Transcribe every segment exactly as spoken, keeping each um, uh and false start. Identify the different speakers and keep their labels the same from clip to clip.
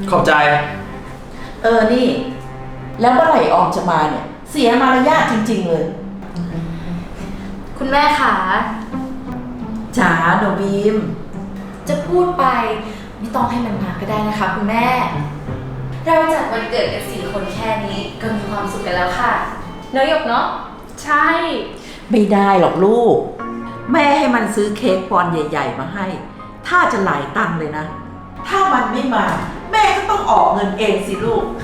Speaker 1: ขอบใจ
Speaker 2: เออนี่แล้วเมื่อไหร่ออมจะมาเนี่ยเสียมารยาทจริงๆเลย
Speaker 3: คุณแม่ขา
Speaker 2: จ๋าหนูบีม
Speaker 3: จะพูดไปไม่ต้องให้มันมาก็ได้นะคะคุณแม่เราจัดวันเกิดกันสี่คนแค่นี้ก็มีความสุขกันแล้วค่ะเนยหยกเนาะใช่
Speaker 2: ไม่ได้หรอกลูกแม่ให้มันซื้อเค้กปอนด์ใหญ่ๆมาให้ถ้าจะหลายตังค์เลยนะถ้ามันไม่มาแม่ก็ต้องออกเงินเองสิลูก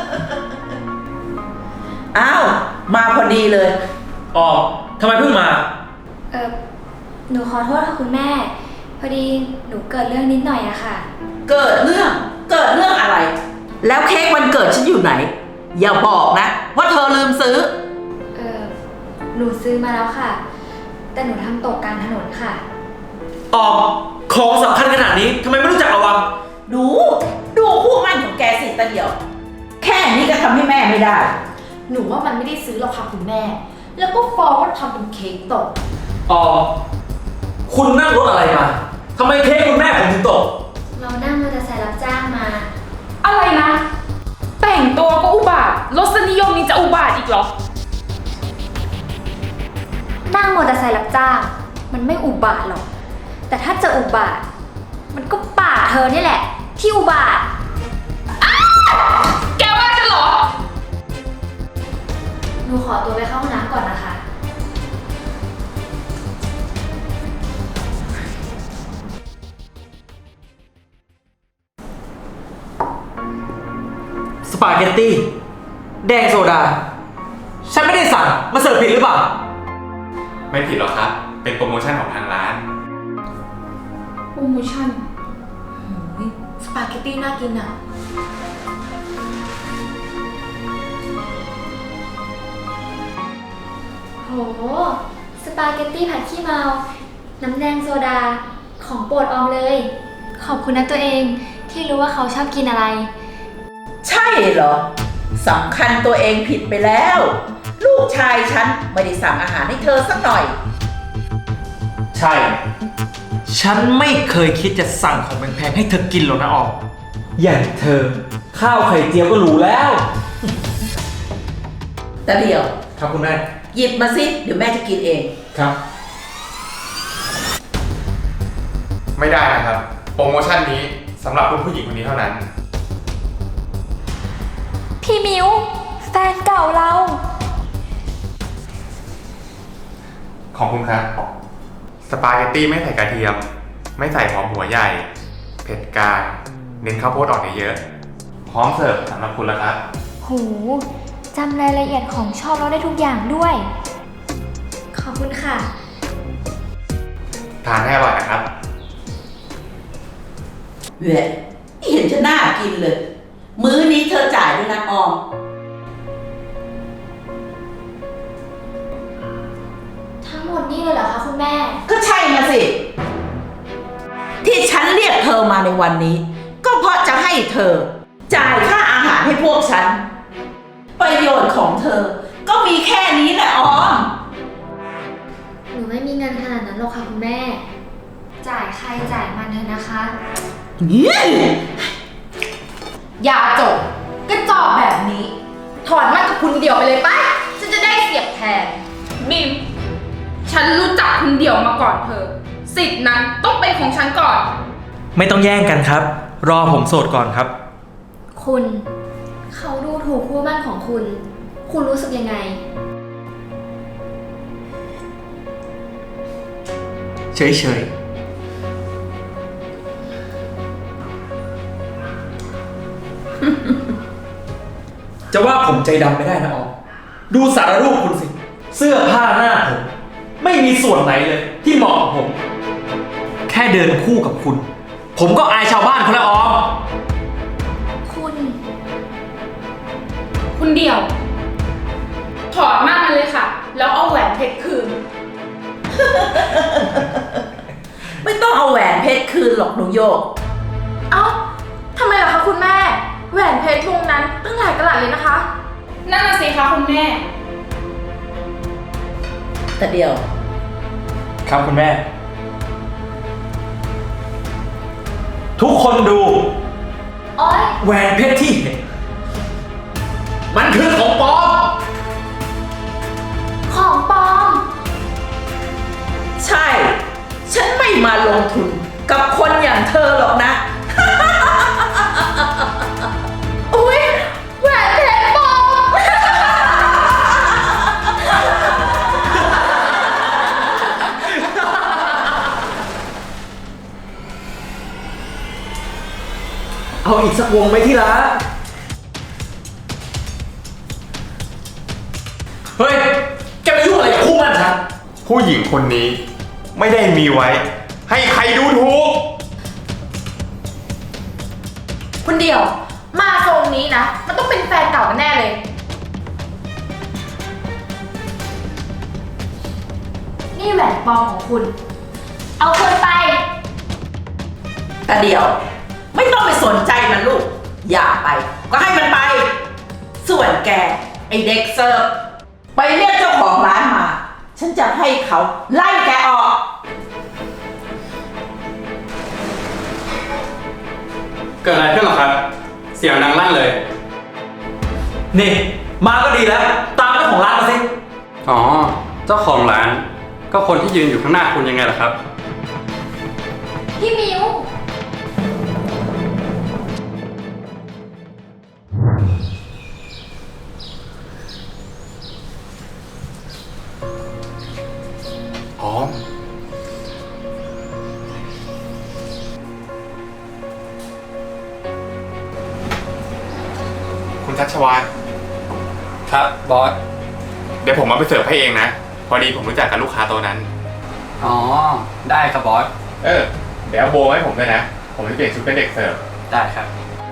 Speaker 2: อ้าวมาพอดีเลย
Speaker 1: อ๋อทำไมเพิ่งมา
Speaker 3: เออหนูขอโทษค่ะคุณแม่พอดีหนูเกิดเรื่องนิดหน่อยอะค่ะ
Speaker 2: เกิดเรื่องเกิดเรื่องอะไรแล้วเค้กวันเกิดฉันอยู่ไหนอย่าบอกนะว่าเธอลืมซื้อ
Speaker 3: เออหนูซื้อมาแล้วค่ะแต่หนูทำตกกลางถนนค่ะ
Speaker 1: อ๋อของสำคัญขนาดนี้ทำไมไม่รู้จักระวัง
Speaker 2: ดูดูคู่มั่นของแกสิตาเดียวแค่นี้ก็ทำให้แม่ไม่ได้
Speaker 3: หนูว่ามันไม่ได้ซื้อหรอกค่ะคุณแม่แล้วก็ฟ้องว่าทำเป็นเค้กตก
Speaker 1: อ๋อคุณนั่งรถอะไรมาทำไมเค้กคุณแม่ผมถึงตก
Speaker 3: เรานั่งมอเตอร์ไซค์รับจ้างมา
Speaker 4: อะไรนะแต่งตัวก็อุบาทรสนิยมนี่จะอุบาทอีกเหรอ
Speaker 3: นั่งมอเตอร์ไซค์รับจ้างมันไม่อุบาทหรอกแต่ถ้าจะอุบาทมันก็ป่าเธอนี่แหละที่อุบาท
Speaker 4: แกว่าฉันเหรอ
Speaker 3: หนูขอตัวไปเข้าห้องน้ำก่อนนะคะ
Speaker 1: สปาเกตตี้แดงโซดาฉันไม่ได้สั่งมาเสิร์ฟผิดหรือเปล่า
Speaker 5: ไม่ผิดหรอกครับเป็นโปรโมชั่นของทางร้าน
Speaker 4: โปรโมชั่น
Speaker 3: สปาเกตตี้น่ากินอ่ะโหสปาเกตตี้ผัดขี้เมาน้ำแดงโซดาของโปรดออมเลยขอบคุณนะตัวเองที่รู้ว่าเขาชอบกินอะไร
Speaker 2: ใช่เหรอสำคัญตัวเองผิดไปแล้วลูกชายฉันไม่ได้สั่งอาหารให้เธอสักหน่อย
Speaker 1: ใช่ฉันไม่เคยคิดจะสั่งของแพงๆให้เธอกินหรอกนะออมอย่างเธอข้าวไข่เจียวก็หรูแล้ว
Speaker 2: แต่เดียว
Speaker 1: ครับคุณแม่
Speaker 2: หยิบมาสิเดี๋ยวแม่จะกินเอง
Speaker 1: ครับ
Speaker 5: ไม่ได้นะครับโปรโมชั่นนี้สำหรับคุณผู้หญิงคนนี้เท่านั้น
Speaker 3: พี่มิวแฟนเก่าเรา
Speaker 5: ขอบคุณครับสปาเกตตี้ไม่ใส่กระเทียมไม่ใส่หอมหัวใหญ่เผ็ดกลางเน้นข้าวโพดอ่อนเยอะๆพร้อมเสิร์ฟสำหรับคุณแล้วครับ
Speaker 3: โหจำรายละเอียดของชอบเราได้ทุกอย่างด้วยขอบคุณค่ะ
Speaker 5: ทานให้อร่อยนะครับ
Speaker 2: เว้ยไม่เห็นจะน่ากินเลยมื้อนี้เธอจ่ายด้วยนะออม
Speaker 3: ทั้งหมดนี่เลยเหรอคะคุณแม่
Speaker 2: ก็ใช่นะสิที่ฉันเรียกเธอมาในวันนี้ก็เพราะจะให้เธอจ่ายค่าอาหารให้พวกฉันประโยชน์ของเธอก็มีแค่นี้แหละออม
Speaker 3: หนูไม่มีเงินขนาดนั้นหรอกค่ะคุณแม่จ่ายใครจ่ายมันเถอะนะคะ
Speaker 4: อย่าจบก็จอบแบบนี้ถอนมันกับคุณเดี่ยวไปเลยป่ะฉันจะได้เสียบแทนบิมฉันรู้จักคุณเดี่ยวมาก่อนเธอสิทธินั้นต้องเป็นของฉันก่อน
Speaker 1: ไม่ต้องแย่งกันครับรอผมโสดก่อนครับ
Speaker 3: คุณเขาดูถูกคู่มั่นของคุณคุณรู้สึกยังไง
Speaker 1: เฉยๆจะว่าผมใจดำไม่ได้นะออมดูสารรูปคุณสิเสื้อผ้าหน้าผมไม่มีส่วนไหนเลยที่เหมาะกับผมแค่เดินคู่กับคุณผมก็อายชาวบ้านเขาแล้วออม
Speaker 3: คุณ
Speaker 4: คุณเดี่ยวถอดมากมันเลยค่ะแล้วเอาแหวนเพชรคืน
Speaker 2: ไม่ต้องเอาแหวนเพชรคืนหรอกหนูโยก
Speaker 4: เอ้าทำไมล่ะคะคุณแม่แหวนเพชรวงนั้นตั้งหลายกะรัตเลยนะคะนั่นน่ะสิคะคุณแม่
Speaker 2: แต่เดียว
Speaker 1: ครับคุณแม่ทุกคนดู
Speaker 4: อ
Speaker 3: โอ๊ย
Speaker 1: แหวนเพชรที่เห็น มันคือของปลอม
Speaker 3: ของปลอม
Speaker 2: ใช่ ฉันไม่มาลงทุนกับคนอย่างเธอหรอกนะ
Speaker 3: อุ๊ยแหวนเพชรปลอม
Speaker 1: เอาอีกสักวงไหมที่รัก เฮ้ย แกไปยุ่งอะไรกับคู่มันฉัน
Speaker 5: ผู้หญิงคนนี้ไม่ได้มีไว้ ให้ใครดูถูก
Speaker 4: คุณเดียว มาทรงนี้นะ มันต้องเป็นแฟนเก่ากันแน่เลย นี่แหวนปลอมของคุณ
Speaker 3: เอาคืนไป
Speaker 2: แต่เดี๋ยว ไม่ต้องไปสนใจมันลูก อย่าไป ก็ให้มันไป ส่วนแก ไอเด็กเสิร์ฟไปเรียกเจ้าของร้านมา ฉันจะให้เขาไล่แกออก
Speaker 6: เกิดอะไรขึ้นหรอครับ เสียงดังลั่นเลย
Speaker 1: นี่ มาก็ดีแล้ว ตามเจ้าของร้านมาสิ
Speaker 6: อ๋อ เจ้าของร้าน ก็คนที่ยืนอยู่ข้างหน้าคุณยังไงล่ะครับ
Speaker 3: พี่มิว
Speaker 5: อ๋อ คุณชัชวาน
Speaker 6: ครับ บอส
Speaker 5: เดี๋ยวผมมาไปเสิร์ฟให้เองนะ พอดีผมรู้จักกับลูกค้าโต๊ะนั้น
Speaker 6: อ๋อ ได้ครับบอส
Speaker 5: เออ เดี๋ยวเอาโบให้ผมด้วยนะ ผมจะเปลี่ยนชุดเป็นเด็กเสิร์ฟ
Speaker 6: ได้ครับ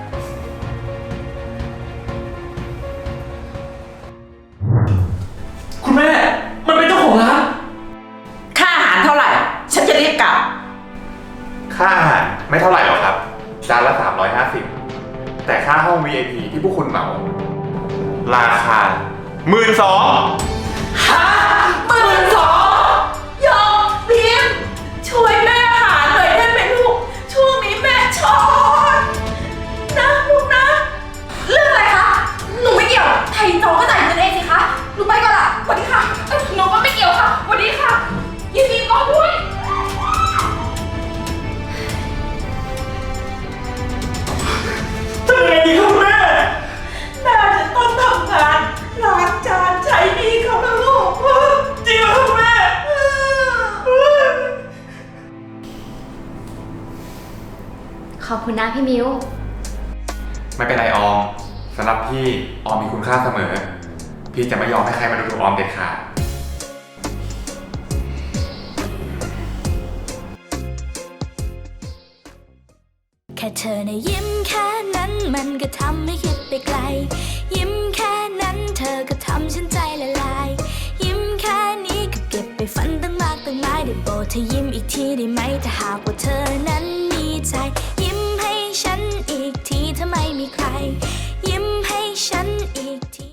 Speaker 1: คุณแม่ มันเป็นเจ้าของร้าน
Speaker 2: ค่าอาหารเท่าไหร่ ฉันจะรีบกลับ
Speaker 5: ค่าอาหารไม่เท่าไหร่หรอกครับ จานละสามร้อยห้าสิบ แต่ค่าห้อง วี ไอ พี ที่พวกคุณเหมา ราคาหมื่นสอง
Speaker 2: ฮะหมื่นสองยอมพิมพ์ช่วยแม่หาหน่อยได้ไหมลูก ช่วงนี้แม่ช็อตนะลูกนะ
Speaker 4: เรื่องอะไรคะ หนูไม่เกี่ยว ไทยจองก็จ่ายเงินเองสิคะ หนูไปก่อนละสวัสดีค่ะเอ้ยหนูก็ไม่เกี่ยวค่ะสวัสดีค่ะ ยินดีต้อนด้วย
Speaker 1: ทำยังไงดีครับคุณแม่
Speaker 2: น่าจะต้องทำงานล้างจานใช้หนี้เขาแล้วลูก
Speaker 1: จริงเหรอครับคุณแม่
Speaker 3: ขอบคุณนะพี่มิว
Speaker 5: ไม่เป็นไรออม สำหรับพี่ออมมีคุณค่าเสมอ พี่จะไม่ยอมให้ใครมาดูถูกออมเด็ดขาด
Speaker 7: แค่เธอในะยิ้มแค่นั้นมันก็ทำให้คิดไปไกล ยิ้มแค่นั้นเธอก็ทำฉันใจละลาย ยิ้มแค่นี้ก็เก็บไปฝันตั้งมากตั้งหลายได้โปรดเธอยิ้มอีกทีได้ไหมถ้าหากว่าเธอนั้นมีใจ ยิ้มให้ฉันอีกทีถ้าไม่มีใคร ยิ้มให้ฉันอีก